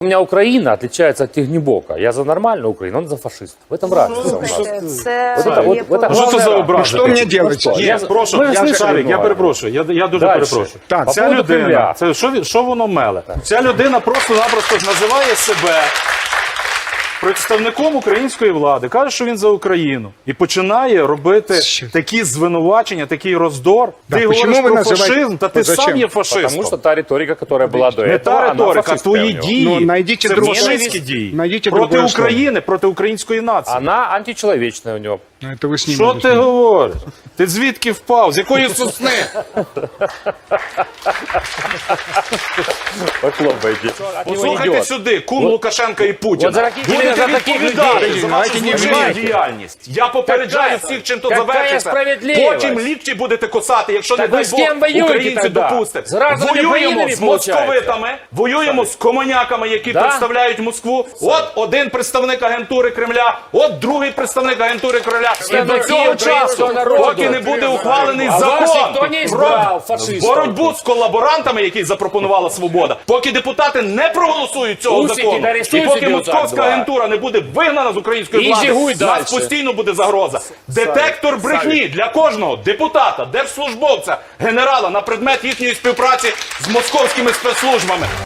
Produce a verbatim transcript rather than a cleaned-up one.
У меня Украина отличается от Тегнебока. Я за нормальную Украину, он за фашистов. В этом разница у нас. Це Вот это, вот, є вот это по- Що це за главное. образи? Що мені делать? що? Ні, Я- прошу, ми ж я, слышали Шарик, я много. перепрошую, я, я дуже Дальше. перепрошую. Так, По Ця поводу людина, Кремля. це що, він- що воно меле? Ця людина просто-напросто називає себе представником української влади, каже, що він за Україну. І починає робити Що? такі звинувачення, такий роздор. Да, ти почему говориш ви про називаєте- фашизм, та ти Зачем? сам є Потому фашистом. что та риторика, которая была до Не этого, та она риторика, фашистская твої у него. дії. Ну, найдіть це другу- фашистські дії. найдіть проти другое слово. України, проти української нації. Она античеловечная у него. Ну, это вы с ним. Що надо ти с ним. говориш? Ти звідки впав? З якої сосни? Похлопайте. От него Послухайте идет. сюди, кум Лукашенка і Путіна. от за таких- Будете іменно за таких відповідати людей. за вашу Давайте не злочинну вживайте. діяльність. Я попереджаю Какая- всіх, чим то какая завершиться. справедливість? Потім лікті будете косати, якщо не Так дай ви з ким Бог воюєте українці тогда? допустять. З разными Воюємо воїнами, з получається? московитами, воюємо з комоняками, які Да? представляють Москву. От один представник агентури Кремля, от другий представник агентури Кремля. І до Представники цього українського часу, народу. поки не буде ухвалений А вас закон ніхто не про избрав, фашистів. боротьбу з колаборантами, який запропонувала «Свобода», поки депутати не проголосують цього Усики, закону, да і арестуйте поки депутат московська два. агентура не буде вигнана з української І влади, жигуй нас дальше. постійно буде загроза. Детектор брехні для кожного депутата, держслужбовця, генерала на предмет їхньої співпраці з московськими спецслужбами.